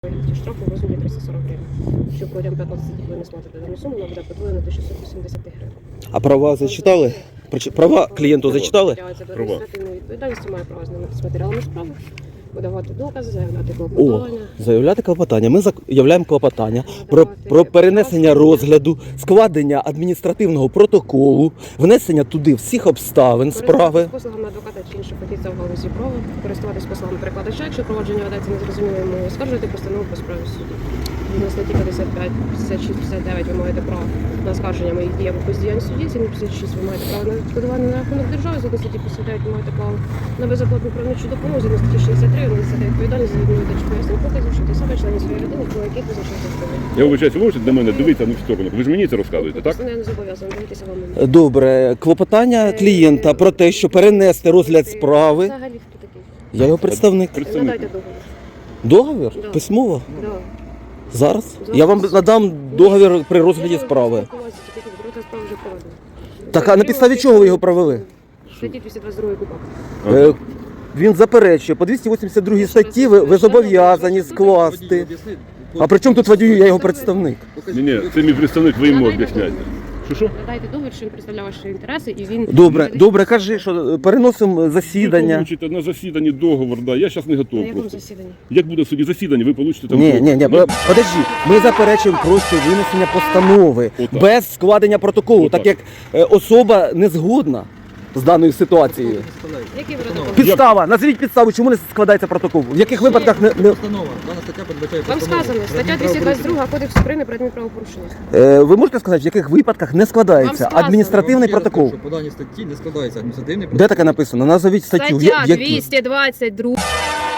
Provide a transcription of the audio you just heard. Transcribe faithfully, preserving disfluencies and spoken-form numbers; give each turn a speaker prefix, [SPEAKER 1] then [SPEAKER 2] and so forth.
[SPEAKER 1] Штрафу в розмірі триста сорок гривень. Якщо протягом п'ятнадцяти днів ви не сплатите дану суму, вона буде подвоєна до шістсот вісімдесят гривень.
[SPEAKER 2] А права зачитали? Прич- Права клієнту зачитали?
[SPEAKER 1] Притягується до
[SPEAKER 3] Права.
[SPEAKER 1] адміністративної відповідальності, має право знайомитися з матеріалами справи, подавати докази, заявляти
[SPEAKER 2] О,
[SPEAKER 1] клопотання.
[SPEAKER 2] заявляти клопотання. Ми заявляємо клопотання про, про перенесення розгляду, складення адміністративного протоколу, внесення туди всіх обставин справи.
[SPEAKER 1] Користуватись послугами адвоката чи іншого фахівця в галузі права, користуватись послугами перекладача, якщо провадження ведеться незрозумілою мовою, скаржувати постанову по справі суду. Згідно статті п'ятдесят п'ять, п'ятдесят шість, п'ятдесят дев'ять ви маєте право на оскарження моїх дій або бездіяльність судді, згідно п'ятдесят шість ви маєте право на відшкодування на рахунок держави, згідно статті п'ятдесят дев'ять ви маєте право на безоплатну правничу допомогу, згідно статті шістдесят три ви несете відповідальність за відмову пояснень показів, що ти себе членів своєї людини, про яких визначається відповідь.
[SPEAKER 3] Я вибачаюся, ви можете до мене дивитися на сторону. Ви ж мені це розказуєте, так?
[SPEAKER 1] Я не зобов'язана дивитися вам.
[SPEAKER 2] Добре, клопотання клієнта про те, що перенести розгляд справи.
[SPEAKER 1] Взагалі хто такий?
[SPEAKER 2] Я його представник.
[SPEAKER 3] Представник.
[SPEAKER 1] Надайте договір.
[SPEAKER 2] Договір?
[SPEAKER 1] Да.
[SPEAKER 2] Письмово?
[SPEAKER 1] Да.
[SPEAKER 2] Зараз?
[SPEAKER 1] Зараз.
[SPEAKER 2] Я вам надам договір при розгляді справи.
[SPEAKER 1] Справа вже проведена.
[SPEAKER 2] Так, а на підставі чого ви його провели?
[SPEAKER 1] Статті двісті двадцять два КУПАП.
[SPEAKER 2] Е, Він заперечує, по двісті вісімдесят другій статті ви, ви зобов'язані скласти. А при чому тут водію, я його представник?
[SPEAKER 3] Ні, ні, це мій представник, ви йому об'ясняєте. Що що?
[SPEAKER 1] Надайте договір, що він представляє ваші інтереси, і він...
[SPEAKER 2] Добре, добре, кажи, що переносимо засідання.
[SPEAKER 3] Ви получите на засіданні договор, да. Я зараз не
[SPEAKER 1] На
[SPEAKER 3] готовий
[SPEAKER 1] якому
[SPEAKER 3] просто.
[SPEAKER 1] засіданні?
[SPEAKER 3] Як буде в суді засідання, ви получите там...
[SPEAKER 2] Ні, ні, ні, ми- подожди, ми заперечуємо просто винесення постанови
[SPEAKER 3] Отак.
[SPEAKER 2] без складення протоколу,
[SPEAKER 3] Отак.
[SPEAKER 2] так як е, особа не згодна з даною ситуацією.
[SPEAKER 1] Який ви радикал?
[SPEAKER 2] Підстава, назвіть підставу, чому не складається протокол? В яких випадках не, не
[SPEAKER 4] Постанова. Дана стаття передбачає
[SPEAKER 1] Вам
[SPEAKER 4] постанову.
[SPEAKER 1] сказано, стаття двісті двадцять два Кодексу України про адмінправопорушення.
[SPEAKER 2] е, ви можете сказати, в яких випадках не складається
[SPEAKER 1] Вам сказано.
[SPEAKER 2] адміністративний протокол?
[SPEAKER 4] Що по даній статті не складається адміністративний
[SPEAKER 2] Де таке написано? Назовіть статтю. В я-
[SPEAKER 1] Стаття
[SPEAKER 2] в якій?
[SPEAKER 1] двісті двадцять два